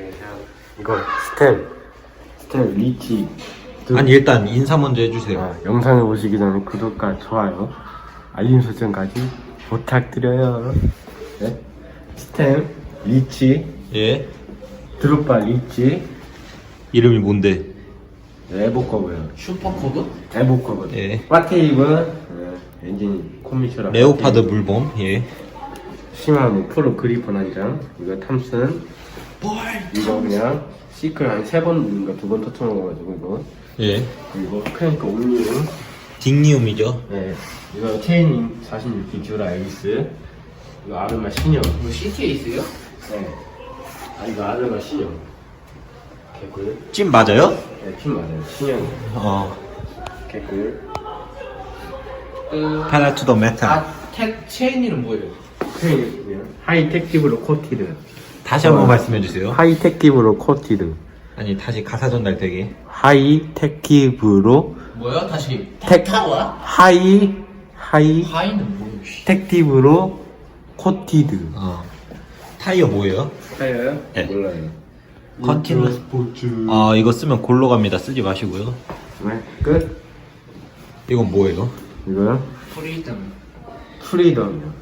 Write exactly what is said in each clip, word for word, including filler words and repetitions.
이거 스텝 스텝 리치. 아니 일단 인사 먼저 해주세요. 아, 영상을 보시기 전에 구독과 좋아요, 알림 설정까지 부탁드려요. 네? 스텝 리치. 예. 드롭바 리치. 이름이 뭔데? 에보커브요. 슈퍼커브? 에보커브. 예. 파테이브. 네, 엔진 코미슈라. 레오파드 물범. 예. 시마노 프로 그리폰 한 장. 이거 탐슨. 이거 그냥 시클 한 세 번인가 두 번 터쳐 먹어가지고 이거. 예. 그리고 크랭크 옴니움. 딩니움이죠. 네. 이거 체인링 사십육 기 듀라 에이스. 이거 아르마 신형. 이거 씨티에이스요? 네. 아 이거 아르마 신형. 개꿀. 찜 맞아요? 네, 핀 맞아요. 신형. 어. 개꿀. 그... 페달 투 더 메탈. 아, 텍 체인이는 뭐예요? 체인 하이텍티브로 코티드. 다시 한번 말씀해 주세요. 하이텍티브로 코티드. 아니 다시 가사 전달 되게. 하이텍티브로 뭐야? 다시 텍- 텍타와? 하이 하이 하이는 뭐예요? 씨. 텍티브로 코티드. 어. 타이어 뭐예요? 타이어요? 네. 몰라요. 컨티뉴 스포츠. 아 이거 쓰면 골로 갑니다. 쓰지 마시고요. 네, 끝. 이건 뭐예요? 이거요? 프리덤. 프리덤이요.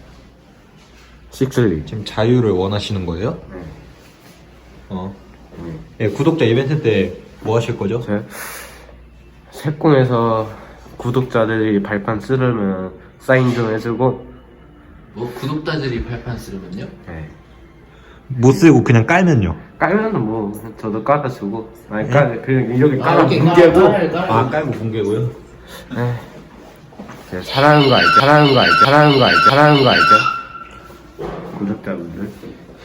식슬리. 지금 자유를 원하시는 거예요? 네. 어. 네. 예, 구독자 이벤트 때 뭐 하실 거죠? 제 색공에서 구독자들이 발판 쓰려면 사인 좀 해주고. 뭐 구독자들이 발판 쓰려면요? 네. 못 쓰고 그냥 깔면요. 깔면은 뭐 저도 깔아주고. 아니 깔 그냥 여기 아, 깔아 이렇게 뭉개고. 깔- 깔- 아 깔고 붕괴고요. 네. 제가 사랑하는 거 알죠? 사랑하는 거 알죠? 사랑하는 거 알죠? 사랑하는 거 알죠? 구독자분들.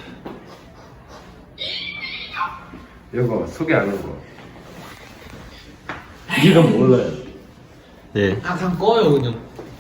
이거 소개 안 한 거. 이름 몰라요. 예. 아, 그냥 꺼요 그냥.